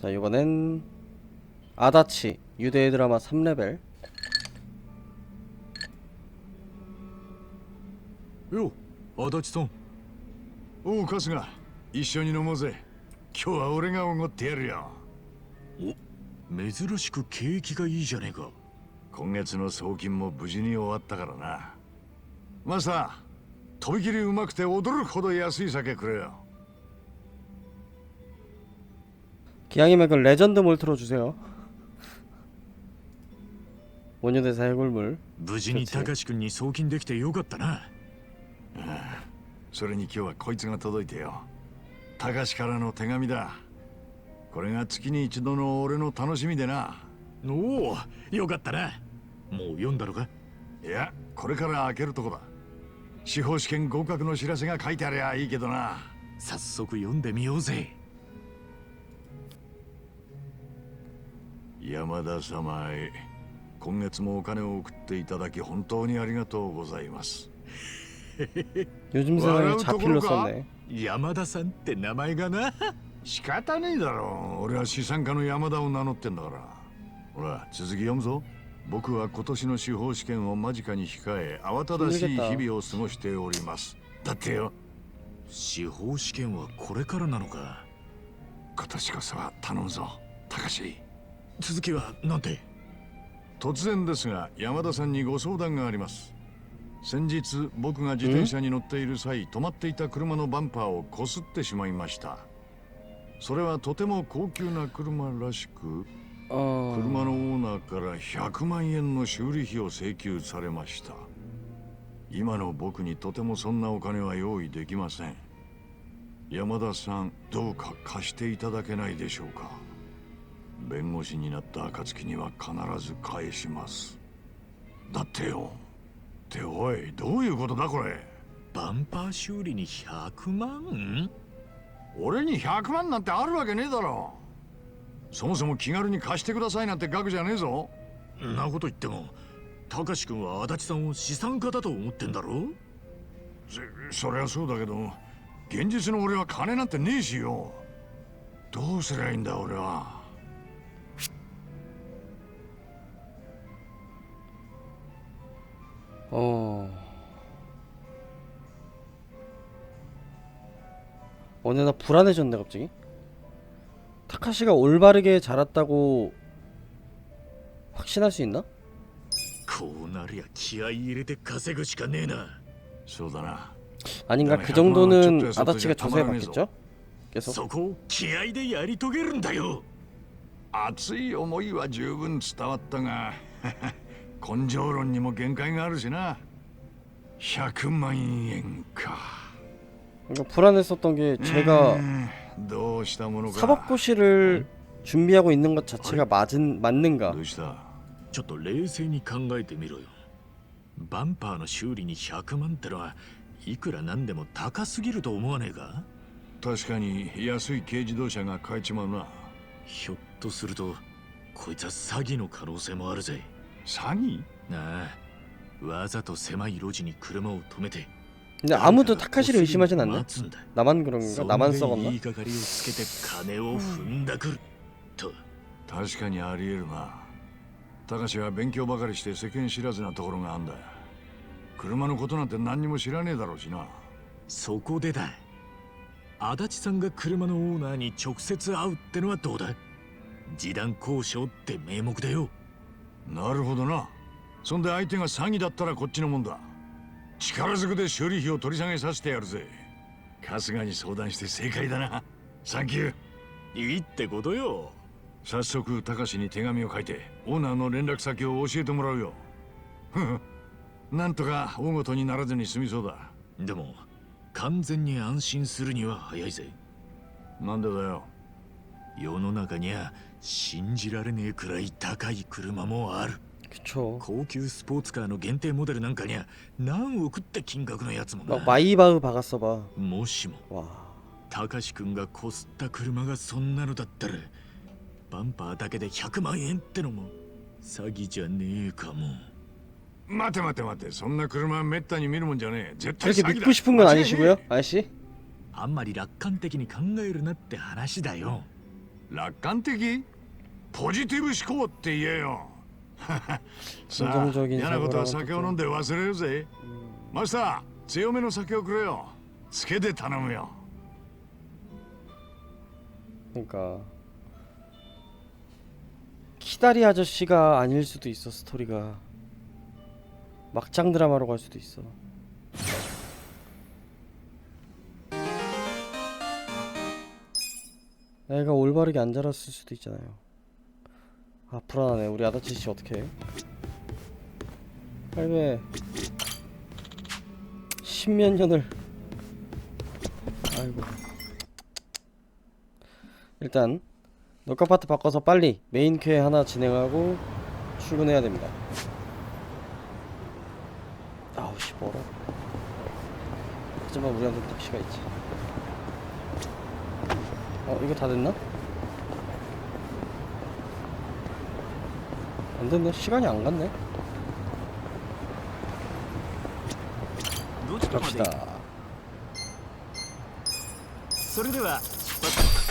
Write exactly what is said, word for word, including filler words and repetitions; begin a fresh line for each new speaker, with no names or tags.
자, 이거는 아다치 유대 드라마 삼 레벨.
よ、足立さん。
おう、春日、一緒に飲もうぜ。今日は俺がおごってやるよ。
お、珍しく景気がいいじゃねえか。
今月の送金も無事に終わったからな。マスター、とびきりうまくて驚くほど安い酒くれよ。
기왕이면 그 레전드 몰 틀어주세요. 원효대사 해골물.
無事に高志くんに送金できてよかったな。
それに今日はこいつが届いてよ。高志からの手紙だ。これが月に一度の俺の楽しみでな。
おお、よかったな。もう読んだのか？
いや、これから開けるとこだ。司法試験合格の知らせが書いてありゃいいけどな。
早速読んでみようぜ。
山田様へ、今月もお金を送っていただき本当にありがとうございます。
요즘 세상에 자필로 썼네.
山田さんって名前がな。
仕方ねえだろう。俺は資産家の山田を名乗ってんだから。ほら、続き読むぞ。僕は今年の司法試験を間近に控え、慌ただしい日々を過ごしております。だってよ。
司法試験はこれからなのか。
今年こそは頼むぞ、高志。
続きはなんて？
突然ですが、山田さんにご相談があります。先日、僕が自転車に乗っている際、止まっていた車のバンパーをこすってしまいました。それはとても高級な車らしく、
어...
車のオーナーからひゃくまんえんの修理費を請求されました。今の僕にとてもそんなお金は用意できません。山田さん、どうか貸していただけないでしょうか。弁護士になった暁には必ず返します。だってよ。っておい、どういうことだこれ。
バンパー修理にひゃくまん？
俺にひゃくまんなんてあるわけねえだろ。そもそも気軽に貸してくださいなんて額じゃねえぞ。
んなこと言っても、高志くんは足立さんを資産家だと思ってんだろ？
そ、そりゃそうだけど、現実の俺は金なんてねえしよ。どうすりゃいいんだ俺は。
어... 어느 날 불안해졌네 갑자기. 타카시가 올바르게 자랐다고 확신할 수 있나?
こうなりゃ気合い入れて稼ぐしかねえな。
そうだな。
아닌가? 그 정도는 아다치가 조사해봤겠죠?
そ
계속
こを気合でやり遂げるんだよ。
熱い思いは十分伝わったが根性論にも限界があるしな。ひゃくまんえんか。
그러니까 불안했었던 게 제가 사법고시를 준비하고 있는 것 자체가 맞은, 맞는가?
どうした？
ちょっと冷静に考えてみろよ。バンパーの修理にひゃくまんってのはいくらなんでも高すぎると思わねえか？
確かに安い軽自動車が買えちまうな。
ひょっとするとこいつは詐欺の可能性もあるぜ。
詐欺？
なあ、わざと狭い路地に車を止めて。
근데 아무도 타카시를 의심하진 않네. 나만 그런가? 나만 썩었나?
言いがかりをつけて金を踏んだくると。
確かにありえるな。高志は勉強ばかりして世間知らずなところがあんだ。車のことなんて何にも知らねえだろうしな。
そこでだ。足立さんが車のオーナーに直接会うってのはどうだ？示談交渉って名目だよ。
なるほどな。そんで相手が詐欺だったらこっちのもんだ。力ずくで修理費を取り下げさせてやるぜ。春日に相談して正解だな。サンキュー。
いいってことよ。
早速高志に手紙を書いてオーナーの連絡先を教えてもらうよ。ふふ、なんとか大ごとにならずに済みそうだ。
でも完全に安心するには早いぜ。
なんでだよ。
世の中には信じられねえくらい高い車もある。
그쵸.
高級スポーツカーの限定モデルなんかには何億って金額のやつもな。
막 마이바흐 박았어봐.
もしも
와.
高志くんがこすった車がそんなのだったらバンパーだけでひゃくまんえんってのも詐欺じゃねえかも。
待て待て待て、そんな車はめったに見るもんじゃねえ。絶対
그렇게
詐欺だ。
믿고 싶은 건 아니시고요, 아저씨?
あんまり楽観的に考えるなって話だよ。
楽観的？ポジティブ思考って言えよ。さあ、
긍정적인
嫌なことは
사고라고
酒を飲んで忘れるぜ。マスター、強めの酒をくれよ。つけて頼むよ。
그러니까 키다리 아저씨가 아닐 수도 있어. 스토리가 막장 드라마로 갈 수도 있어. 애가 올바르게 안 자랐을 수도 있잖아요. 아 불안하네. 우리 아다치씨 어떻게 해? 할배 십몇 년을. 아이고. 일단 녹화 파트 바꿔서 빨리 메인 퀘 하나 진행하고 출근해야 됩니다. 아우 씨 멀어. 하지만 우리한테 택시가 있지. 어 이거 다 됐나? 안 됐네. 시간이 안 갔네. 갑시다.
それでは出発